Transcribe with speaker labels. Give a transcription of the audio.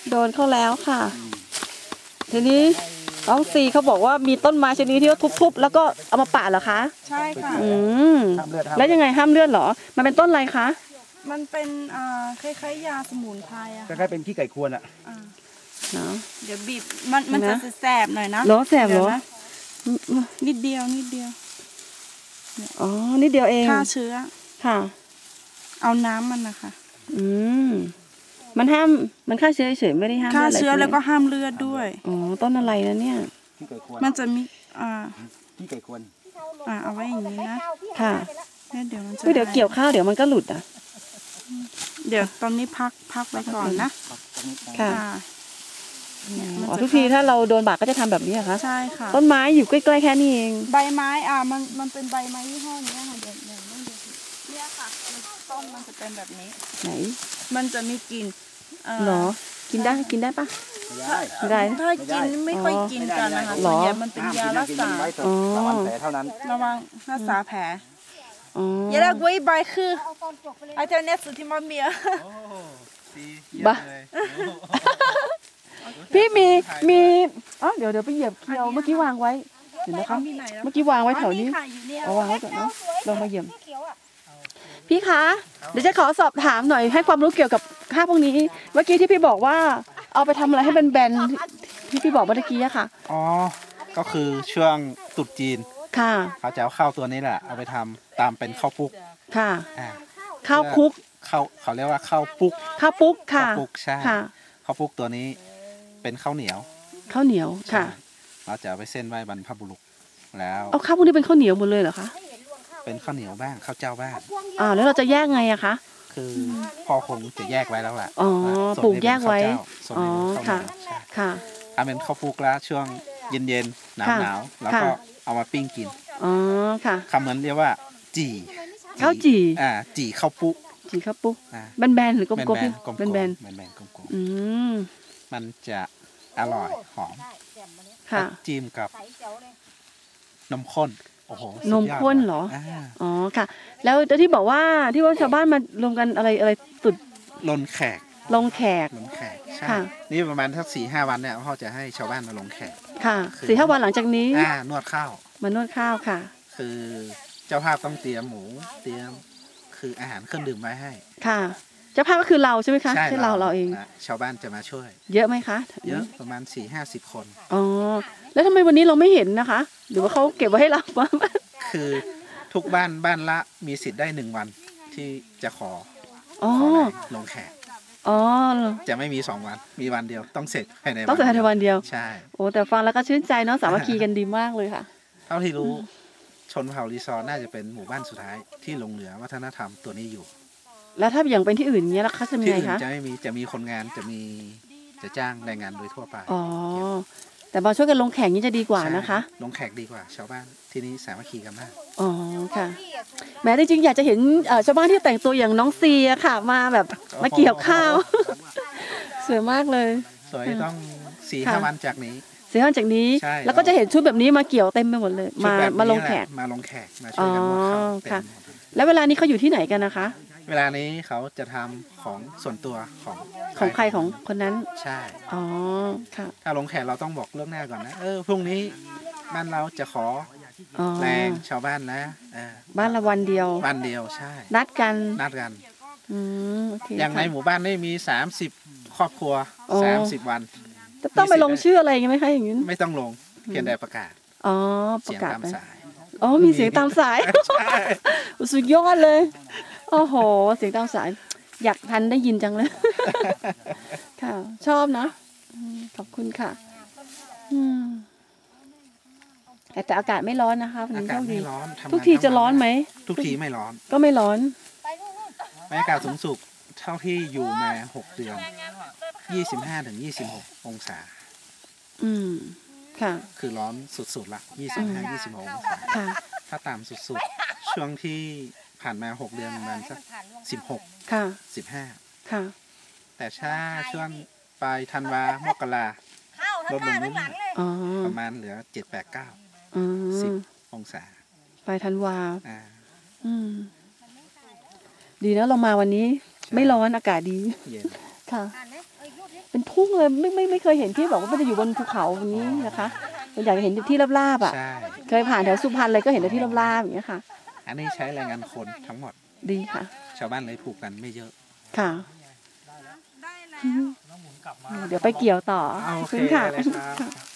Speaker 1: โดนเข้าแล้วค่ะทีนี้น้องซีเขาบอกว่ามีต้นไม้ชนิดที่ว่าทุบๆแล้วก็เอามาปาดเหรอคะ
Speaker 2: ใช่ค่ะ
Speaker 1: แล้วยังไงห้ามเลือดเหรอมันเป็นต้นอะไรคะ
Speaker 2: มันเป็นคล้ายๆยาสมุนไพรอะ
Speaker 3: คล้ายๆเป็นขี้ไก่ควรอะ
Speaker 1: เนาะ
Speaker 2: เดี๋ยวบีบมันจะแสบหน่อยนะ
Speaker 1: หรอแสบหรอ
Speaker 2: นิดเดียว
Speaker 1: อ๋อนิดเดียวเอง
Speaker 2: ฆ่าเชื้อ
Speaker 1: ค่ะ
Speaker 2: เอาน้ำมันนะคะ
Speaker 1: มันห้ามมันฆ่าเชื้อเฉยไม่ได้ห้าม
Speaker 2: ฆ่าเชื้อแล้วก็ห้ามเลือดด้วย
Speaker 1: อ๋อต้นอะไรนะเนี่ย
Speaker 2: มันจะมี
Speaker 3: ขี้ไก่ควร
Speaker 2: เอาไว้อย่างนี้นะ
Speaker 1: ค่ะ
Speaker 2: เดี๋ยวมันจะ
Speaker 1: เดี๋ยวเกี่ยวข้าวเดี๋ยวมันก็หลุด
Speaker 2: เดี๋ยวตอนนี้พักไว้ก่อนนะ
Speaker 1: ค่ะทุกทีถ้าเราโดนบาดก็จะทำแบบนี้เหรอคะ
Speaker 2: ใช่ค่ะ
Speaker 1: ต้นไม้อยู่ใกล้ๆแค่นี้เอง
Speaker 2: ใบไม้มันเป็นใบไม้ยี่ห้อนี้ค่ะเดี๋ยวเนี่ยค่ะต้นมันจะเป็นแบบนี้
Speaker 1: ไหน
Speaker 2: มันจะมีกลิ่น
Speaker 1: หรอกินได้ปะได้
Speaker 2: ถ้ากินไม่ค่อยกินกันนะคะส่วนใหญ่มันเป็นยารักษา
Speaker 3: ระวังแผลเท่านั้น
Speaker 2: ระวังรักษาแผลอย่าละกุ้ยใบคือไอเทอร์เน็ตสุดที่มันมี
Speaker 1: บ้าพี่มีเดี๋ยวไปเหยียบเคียวเมื่อกี้วางไว้เห็นไหมคะเมื่อกี้วางไว้แถวนี้เอาวางไว้ก่อนเนาะลงมาเหยียบพี่คะเดี๋ยวจะขอสอบถามหน่อยให้ความรู้เกี่ยวกับข้าวพวกนี้เมื่อกี้ที่พี่บอกว่าเอาไปทำอะไรให้เป็นแบนที่พี่บอกเมื่อกี้อะค่ะ
Speaker 3: ก็คือช่วงตรุษจีน
Speaker 1: ค่ะ
Speaker 3: เขาจะเอาข้าวตัวนี้แหละเอาไปทำตามเป็นข้าวปุ๊ก
Speaker 1: ค่ะข้าวคุก
Speaker 3: เขาเรียกว่าข้าวปุ๊ก
Speaker 1: ค่ะ
Speaker 3: ข้าวปุ๊กใช่ข้าวปุ๊กตัวนี้เป็นข้าวเหนียว
Speaker 1: ค่ะ
Speaker 3: เราจะไปเส้นไหว้บรรพบุรุษแล้ว
Speaker 1: เอาข้าวพวกนี้เป็นข้าวเหนียวหมดเลยเหรอคะ
Speaker 3: เป็นข้าวเหนียวบ้างข้าวเจ้าบ้าง
Speaker 1: แล้วเราจะแยกไงอะคะ
Speaker 3: คือพ่อคงจะแยกไว้แล้วแหละ
Speaker 1: ปลูกแยกไว้ค่ะ
Speaker 3: ถ้าเป็นข้าวปุ๊กแล้วช่วงเย็นๆหนาวแล้วก็เอามาปิ้งกิน
Speaker 1: ค่ะ
Speaker 3: คำเหมือนเรียกว่า
Speaker 1: ข้าวจี่
Speaker 3: ข้าวปุ๊ก
Speaker 1: แบนๆหรือกลมๆแบน
Speaker 3: กลมๆมันจะอร่อยหอมจิ้มกับนมข้นโอ้โห
Speaker 1: นมข้นเหรอค่ะแล้วที่บอกว่าชาวบ้านมารวมกันอะไรตุด
Speaker 3: ลงแขกใช่นี่ประมาณทัก4-5 วันเนี่ยพ่อจะให้ชาวบ้านมาลงแขก
Speaker 1: ค่ะ4-5 วันหลังจากนี้
Speaker 3: นวดข้าว
Speaker 1: ค่ะ
Speaker 3: คือเจ้าภาพต้องเตรียมหมูเตรียมคืออาหารเครื่องดื่มไว้ให้
Speaker 1: ค่ะเจ้าภาพก็คือเราใช่ไหมคะใช่เราเอง
Speaker 3: ชาวบ้านจะมาช่วย
Speaker 1: เยอะไหมคะ
Speaker 3: เยอะประมาณ40-50 คน
Speaker 1: แล้วทำไมวันนี้เราไม่เห็นนะคะหรือว่าเขาเก็บไว้ให้เรา
Speaker 3: คือทุกบ้านละมีสิทธิ์ได้1 วันที่จะขอลงแขกจะไม่มี2 วันมีวันเดียวต้องเสร็จภายใน
Speaker 1: วันเดียว
Speaker 3: ใช่
Speaker 1: แต่ฟังแล้วก็ชื่นใจเนาะสามัคคีกันดีมากเลยค่ะ
Speaker 3: เท่าที่รู้ชนเผ่ารีซอร์น่าจะเป็นหมู่บ้านสุดท้ายที่หลงเหลือวัฒนธรรมตัวนี้อยู่
Speaker 1: แล้วถ้าอย่างเป็นที่อื่นเนี้ยแล้วเขาจะมีไงคะ
Speaker 3: จะมีคนงานจะจ้างแรงงานโดยทั่วไป
Speaker 1: แต่มาช่วยกันลงแข่งนี้จะดีกว่านะคะ
Speaker 3: ลงแขกดีกว่าชาวบ้านที่นี้สามัคคีกันมาก
Speaker 1: ค่ะแม้จริงๆอยากจะเห็นชาวบ้านที่แต่งตัวอย่างน้องซีค่ะมาแบบมาเกี่ยวข้าวสวยมากเลย
Speaker 3: สวยต้อง4-5 วันจากนี้
Speaker 1: แล้วก็จะเห็นชุดแบบนี้มาเกี่ยวเต็มไปหมดเลยมาลงแขก
Speaker 3: มาช่วยกันลงข้าว
Speaker 1: ค่ะแล้วเวลานี้เขาอยู่ที่ไหนกันนะคะ
Speaker 3: เวลานี้เขาจะทำของส่วนตัว
Speaker 1: ของใครของคนนั้น
Speaker 3: ใช่
Speaker 1: ค่ะ
Speaker 3: ถ้าลงแขกเราต้องบอกเรื่องหน้าก่อนนะพรุ่งนี้บ้านเราจะขอแรงชาวบ้านนะ
Speaker 1: บ้านละวันเดียว
Speaker 3: ใช่
Speaker 1: นัดกัน
Speaker 3: อย่างในหมู่บ้านนี่มี30 ครอบครัว30 วัน
Speaker 1: ต้องไปลงชื่ออะไรไหมคะอย่างนี้
Speaker 3: ไม่ต้องลงเพียงแต่ประกาศ
Speaker 1: ประกาศตามสายมีเสียงตามสายสุดยอดเลยโอ้โหเสียงตามสายอยากทันได้ยินจังเลยค่ะชอบนะขอบคุณค่ะแต่อากาศไม่ร้อนนะคะ
Speaker 3: อากาศไม่ร้อน
Speaker 1: ทุกทีจะร้อนไหม
Speaker 3: ทุกทีไม่ร้อน
Speaker 1: ก็ไม่ร้อน
Speaker 3: บรรยากาศสูงสุดเท่าที่อยู่มา6 เดือน25-26 องศา
Speaker 1: ค่ะ
Speaker 3: คือร้อนสุดๆละ25-26 องศาถ้าต่ำสุดๆช่วงที่ผ่านมา6 เดือนประมาณสัก16
Speaker 1: ค่ะ
Speaker 3: 15ค่ะแต่ถ้าช่วงปลายธันวามกราลดลงนิดนึงประมาณเหลือ7-8-9-10 องศา
Speaker 1: ปลายธันวาดีนะเรามาวันนี้ไม่ร้อนอากาศดีค่ะเป็นทุ่งเลยไม่เคยเห็นที่บอกว่ามันจะอยู่บนภูเขาอย่างนี้นะคะเราอยากเห็นที่ราบๆอ่ะ
Speaker 3: ใช่
Speaker 1: เคยผ่านแถวสุพรรณเลยก็เห็นแต่ที่ราบๆอย่างเงี้ยค่ะ
Speaker 3: อันนี้ใช้แรงงานคนทั้งหมด
Speaker 1: ดีค่ะ
Speaker 3: ชาวบ้านเลยผูกกันไม่เยอะ
Speaker 1: ค่ะ
Speaker 2: ได้แล้ว
Speaker 1: เดี๋ยวไปเกี่ยวต่อ
Speaker 3: โอ
Speaker 1: ขอบ
Speaker 3: เค
Speaker 1: คุณค่ะ
Speaker 3: เลยครับ